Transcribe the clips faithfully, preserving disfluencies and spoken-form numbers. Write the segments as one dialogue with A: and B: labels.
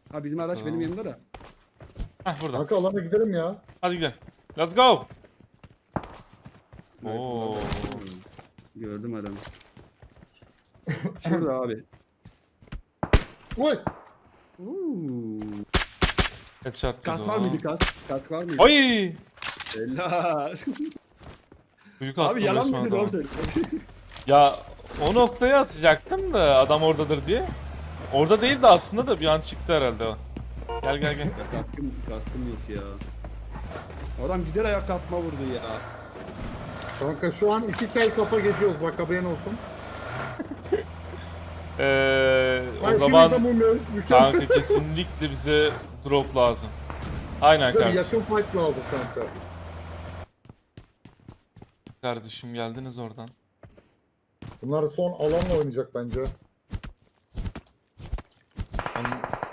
A: Ha bizim araç
B: Tamam.
A: benim yanımda da.
B: Heh burada.
C: Kanka alana gidelim ya.
B: Hadi gidelim. Let's go. Oo.
A: Gördüm adamı. Şurada abi.
C: Oy.
A: Uuu.
B: Headshot
A: Kas
B: dedi
A: var
B: o.
A: mıydı kas? Kas var mıydı?
B: Oy!
A: Helal.
B: Büyük attım
A: Abi yalan
B: resmen
A: mıydı
B: adama.
A: doğru
B: Ya o noktaya atacaktım da adam oradadır diye. Orada değil de aslında da bir an çıktı herhalde o. Gel gel gel.
A: Kaskım, kaskım yok ya. Adam gider ayak kalkma vurdu ya.
C: Kanka şu an iki kel kafa geziyoruz bak haberin olsun.
B: Ee, o
C: Ay,
B: zaman
C: ikimiz de mumyayız, mükemmel.
B: kanka kesinlikle bize drop lazım. Aynen
C: Bize bir
B: kardeşim.
C: yakın fight lazım kanka.
B: Kardeşim geldiniz oradan.
C: Bunlar son alanla oynayacak bence.
B: Onun...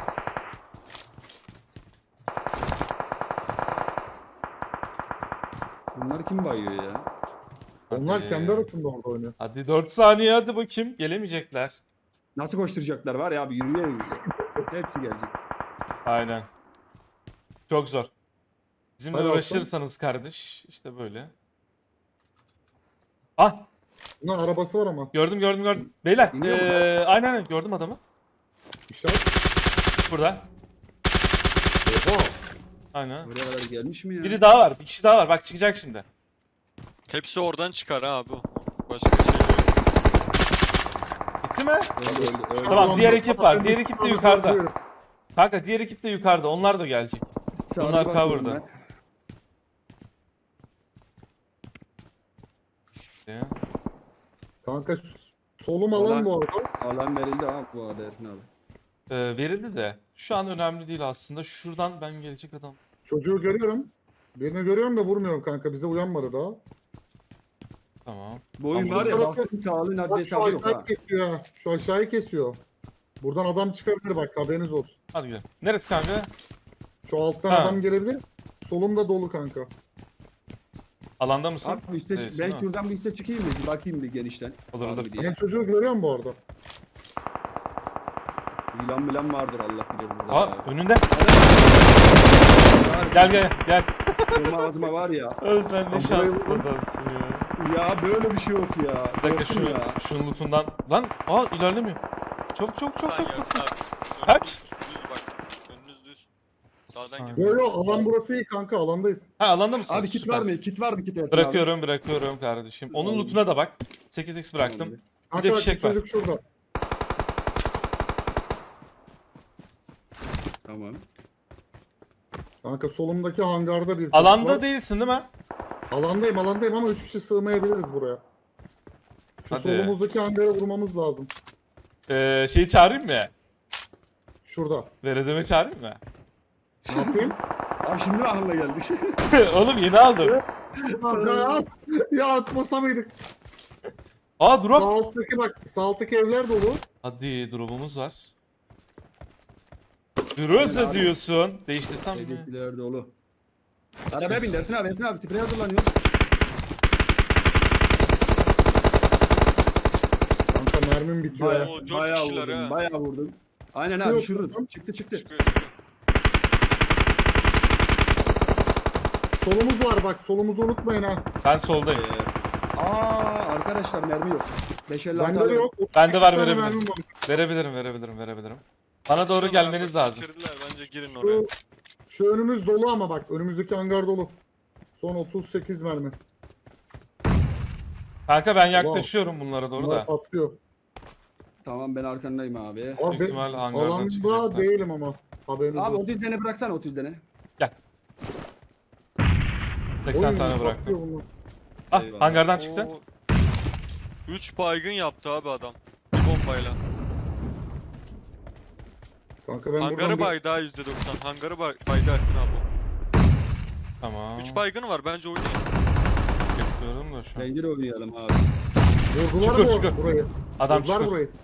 A: Bunlar kim bayıyor ya?
C: Onlar
B: Hadi.
C: kendi arasında orada oynuyor.
B: Hadi dört saniye hadi bakayım. Gelemeyecekler.
A: Nasıl koşturacaklar var ya abi yürüyerek. Hepsi gelecek.
B: Aynen. Çok zor. Bizimle
C: Hadi
B: uğraşırsanız kardeş işte böyle. Ah
C: Bunların arabası var ama.
B: gördüm gördüm gördüm. Beyler
A: İniyor mu?
B: ee, aynen aynen gördüm adamı.
C: İşte
B: Burada.
C: oha.
B: Aynen.
A: Buraya kadar gelmiş mi ya?
B: Biri daha var. Bir kişi daha var. Bak çıkacak şimdi.
D: Hepsi oradan çıkar ha bu. Başka bir şey yok.
B: Gitti mi?
A: Öldü, öldü, öldü.
B: Tamam,
C: Ulan
B: diğer
C: bu-
B: ekip var.
C: ben
B: Diğer
C: de-
B: ekip de
C: ben
B: yukarıda.
C: diyorum.
B: Kanka diğer ekip de yukarıda. Onlar da gelecek.
A: Sağda
B: Bunlar
A: bakıyorum
B: cover'da.
A: ben.
B: İşte.
C: Kanka solum alan
A: Ulan-
C: bu arada.
A: Alan verildi abi bu arada Ersin abi.
B: Ee, verildi de. Şu an önemli değil aslında. Şuradan ben gelecek adam.
C: Çocuğu görüyorum. Birini görüyorum da vurmuyorum kanka. Bize uyanmadı daha.
B: Tamam.
A: Bu oyun
B: Tamam.
A: var ya
C: Bak-
A: baktım sağlığın
C: Bak
A: adli
C: şu
A: hesabı yok ha.
C: aşağıyı kesiyor ha. Şu aşağıyı kesiyor. Buradan adam çıkabilir bak haberiniz olsun.
B: Hadi gidelim. Neresi kanka?
C: Şu alttan
B: Ha.
C: adam gelebilir. Solum da dolu kanka.
B: Alanda mısın?
A: Abi üstte,
B: Değilsin,
A: ben
B: değil mi?
A: şuradan bir üste çıkayım mı? Bir bakayım bir genişten.
B: Olur,
A: Abi
B: olur.
A: diye.
C: Ben çocuğu görüyorum bu arada.
A: Yılan milan vardır Allah bilir burada.
B: Aa
A: ya.
B: önünde. Gel gel gel.
A: Benim adıma var ya.
B: Öl sen ne
C: Lan
B: şanssız
C: buraya-
B: adamsın ya.
A: Ya böyle bir şey yok ya.
B: Bir dakika
A: Korktum
B: şu,
A: ya.
B: şunun lootundan. Lan aa ilerlemiyor. Çok çok çok
D: Sen
B: çok.
D: ya,
B: çok.
D: sağ.
B: Kaç?
D: Düz bak. Önünüz düz. Sağdan
B: Saniye.
D: gir.
C: Yo yo alan burası iyi kanka alandayız.
B: Ha alanda mısın?
A: Abi kit var mı? Kit var mı kit Ersin
B: Bırakıyorum bırakıyorum kardeşim. Onun
A: Tamam.
B: lootuna da bak. sekiz x bıraktım. Bir
C: Kanka
B: de
C: bak,
B: fişek
C: bu
B: var.
C: çocuk şurada.
A: Tamam.
C: Kanka solumdaki hangarda bir çocuk
B: Alanda
C: var.
B: değilsin değil mi?
C: Alandayım alandayım ama üç kişi sığmayabiliriz buraya. Şu
B: Hadi.
C: solumuzdaki hangara vurmamız lazım.
B: Ee, şeyi çağırayım mı?
C: Şurada.
B: Veredeme çağırayım mı?
C: Ne yapayım?
A: Abi şimdi mi aklına geldi?
B: Oğlum yeni aldım.
C: ya, ya atmasa mıydık?
B: Aa
C: Sağ
B: drop.
C: alttaki bak. Sağ alttaki evler dolu.
B: Hadi drop'umuz var. Groza
A: abi.
B: diyorsun. Değiştirsem mi?
A: Hedefliler dolu. Arabaya bin Ersin abi Ersin abi sprey hazırlanıyor.
C: Kanka mermim bitiyor ya.
A: Bayağı,
D: Oo, dört
A: bayağı
D: kişiler
A: vurdum
D: ha.
A: bayağı vurdum. Aynen abi
C: Yok,
A: şurada.
C: yok.
A: Çıktı çıktı.
D: Çıkıyor çıkıyor.
C: Solumuz var bak. Solumuzu unutmayın ha.
B: Ben soldayım.
A: Ee, aa arkadaşlar mermi yok. beş elli altı
C: Bende de yok.
B: Bende var,
C: otuz tane
B: verebilirim.
C: mermim var.
B: Verebilirim verebilirim verebilirim. Bana doğru
D: Şuradan
B: gelmeniz
D: bak,
B: lazım.
D: bitirdiler. Bence girin oraya.
C: Şu, şu önümüz dolu ama bak. Önümüzdeki hangar dolu. Son otuz sekiz mermi.
B: Kanka ben yaklaşıyorum bunlara doğru
C: Bunlar
B: da.
C: patlıyor.
A: Tamam ben arkandayım abi.
C: Abi
B: Büyük
C: ben
B: ihtimal hangardan
C: alanda
B: çıkacaklar.
C: değilim ama. Haberiniz
A: Abi
C: olsun.
A: otuz tane bıraksana otuz tane.
B: seksen
C: Oy,
B: tane
C: patlıyor
B: bıraktım.
C: bunlar.
B: Ah
A: Eyvallah.
B: hangardan çıktı.
D: üç baygın yaptı abi adam. Bir bombayla.
C: Kanka ben
D: Hangarı
C: buradan bir-
D: baydı ha yüzde doksan. Hangarı bay baydı Ersin abi.
B: Tamam.
D: üç baygını var bence oynayın.
B: Bekliyorum da şu an.
A: Pencere oynayalım abi.
C: Vurdular
B: Çukur,
C: bu
B: çukur.
C: burayı.
B: Adam
C: Vurdular
B: çıkıyor.
C: burayı.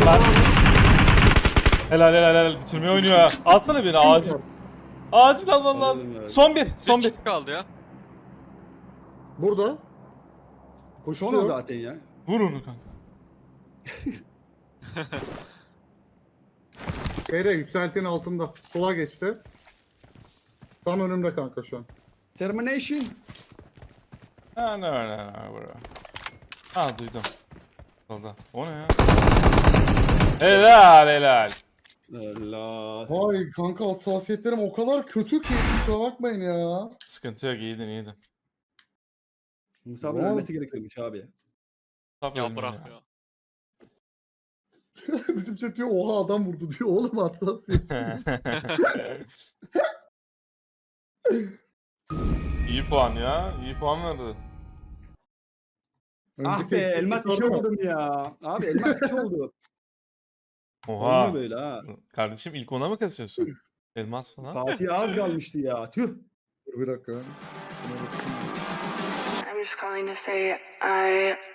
B: lan. Helal helal helal. Bitirmeyi oynuyor ha. Alsana beni acil. Acil alman lazım.
A: Alıyorum, evet.
B: Son bir. Son
D: Bir
B: bir.
D: kişi kaldı ya.
C: Burada.
A: Son o
C: Koşuyor.
A: zaten ya.
B: Vur onu kanka.
C: Şeyde yükseltinin altında. Sola geçti. Tam önümde kanka şu an.
A: Termination.
B: Ha ne ne ne bro. Ha duydum. Solda. O ne ya? Helal helal.
A: Allah.
C: Vay kanka hassasiyetlerim o kadar kötü ki kusura bakmayın ya.
B: Sıkıntı yok iyiydin iyiydin.
A: Musab'ın
C: Oğlum.
A: ölmesi gerekiyormuş abi.
B: Tabii
D: Ya
B: oyunun
D: bırak ya.
C: Bizim chat diyor oha adam vurdu diyor. Oğlum hassasiyet.
B: İyi puan ya. İyi puan verdi.
A: Ah
C: Önceki
A: be
C: eşleşme
A: elmas iki
C: vardı mı?
A: oldum ya. Abi elmas iki oldu.
B: Oha.
A: Olmuyor böyle ha.
B: Kardeşim ilk ona mı kasıyorsun? Elmas falan.
A: Fatih az kalmıştı ya. Tüh.
C: Dur bir dakika.
E: I'm just calling to say I